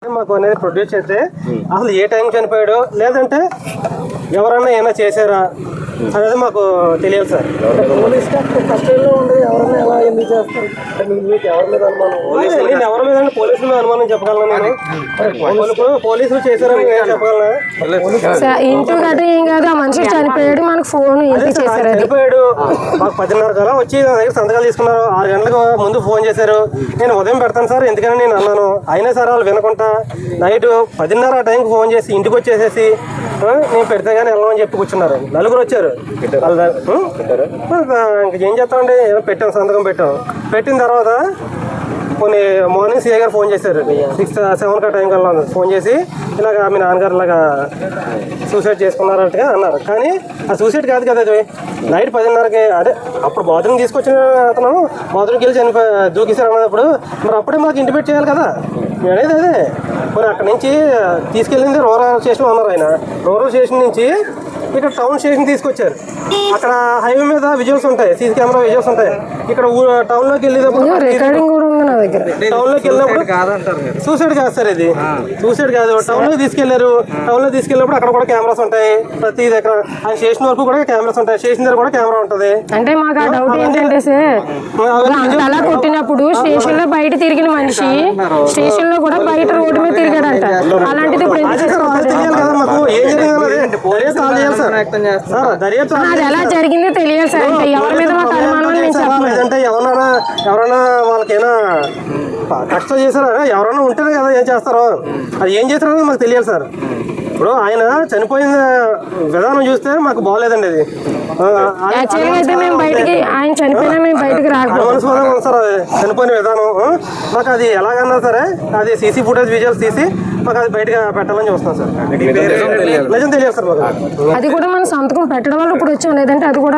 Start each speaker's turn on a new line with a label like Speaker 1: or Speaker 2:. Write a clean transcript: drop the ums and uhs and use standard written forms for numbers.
Speaker 1: మాకు అనేది ప్రొడ్యూస్ చేస్తే అసలు ఏ టైం చనిపోయాడు లేదంటే ఎవరన్నా ఏమైనా చేశారా అనేది మాకు తెలియదు సార్. నేను ఎవరి మీద పోలీసుల మీద అనుమానం చెప్పగలను. నేను పోలీసులు చేశారని చెప్పగలను.
Speaker 2: ఇంటూ గట్రా ఏం కాదు, ఆ మనిషి చనిపోయాడు, మనకు ఫోన్
Speaker 1: చనిపోయాడు. మాకు 10:30 కల్లా వచ్చి నా దగ్గర సంతకాలు తీసుకున్నారు. 6 గంటలకు ముందు ఫోన్ చేశారు. నేను ఉదయం పెడతాను సార్ ఎందుకని నేను అన్నాను. అయినా సార్ వాళ్ళు వినకుండా నైట్ 10:30 ఆ టైంకి ఫోన్ చేసి ఇంటికి వచ్చేసేసి నేను పెడితే కానీ వెళ్ళమని చెప్పి కూర్చున్నారు. నలుగురు వచ్చారు. ఇంకేం చేస్తామండి, ఏదో పెట్టాం, సంతకం పెట్టిన తర్వాత కొన్ని మార్నింగ్ సీఏ గారు ఫోన్ చేశారు. 6-7 టైం కల్లా ఫోన్ చేసి ఇలాగ మీ నాన్నగారు ఇలాగా సూసైడ్ చేసుకున్నారంటే అన్నారు. కానీ ఆ సూసైడ్ కాదు కదా, అది నైట్ 10:30కి అదే అప్పుడు బాత్రూమ్ తీసుకొచ్చిన అతను బాత్రూమ్కి వెళ్ళి దూకేశారు అన్నప్పుడు మరి అప్పుడే మాకు ఇంటిమేట్ చేయాలి కదా. అనేది అదే మరి అక్కడి నుంచి తీసుకెళ్ళింది రూరల్ స్టేషన్లో ఉన్నారు. ఆయన రూరల్ స్టేషన్ నుంచి ఇక్కడ టౌన్ స్టేషన్ తీసుకొచ్చారు. అక్కడ హైవే మీద విజువల్స్ ఉంటాయి, సీసీ కెమెరా విజువల్స్ ఉంటాయి. ఇక్కడ టౌన్లోకి వెళ్ళేటప్పుడు టౌన్లోకి వెళ్ళినప్పుడు సూసైడ్ కాదు సార్, ఇది సూసైడ్ కాదు. టౌన్లోకి తీసుకెళ్లారు. టౌన్లో తీసుకెళ్ళినప్పుడు అక్కడ కూడా కెమెరాస్ ఉంటాయి. ప్రతి దగ్గర ఆ స్టేషన్ వరకు కూడా కెమెరాస్ ఉంటాయి. స్టేషన్ దగ్గర కూడా కెమెరా ఉంటుంది.
Speaker 2: అంటే మాకు ఆ డౌట్ ఏంటంటే సార్, అలా కొట్టినప్పుడు స్టేషన్ లో బయట తిరిగిన మనిషి స్టేషన్ లో కూడా బయట రోడ్డు మీద తిరిగాడంట. అలాంటిది
Speaker 1: తెలియాలి కదా మాకు ఏం
Speaker 2: అది ఎలా జరిగిందో తెలియాలి సార్. ఎవరి మీద మాకు అనుమానం
Speaker 1: లేదంటే ఎవరైనా వాళ్ళకైనా కష్టం చేశారా, ఎవరైనా ఉంటేనే కదా ఏం చేస్తారో. అది ఏం చేస్తారో మాకు తెలియాలి సార్. ఇప్పుడు ఆయన చనిపోయిన విధానం చూస్తే మాకు బాగోలేదండి. అది
Speaker 2: ఆయన చనిపోయినా మేము బయటకు
Speaker 1: అనుమానాస్పదంగా సార్ చనిపోయిన విధానం. మాకు అది ఎలాగన్నా సరే అది సీసీ ఫుటేజ్ విజువల్స్ తీసి మాకు అది బయటగా పెట్టాలని చూస్తున్నాం సార్. నిజం తెలియదు సార్ మాకు.
Speaker 2: అది కూడా మనం సంతకం పెట్టడం వల్ల ఇప్పుడు వచ్చాం, లేదంటే అది కూడా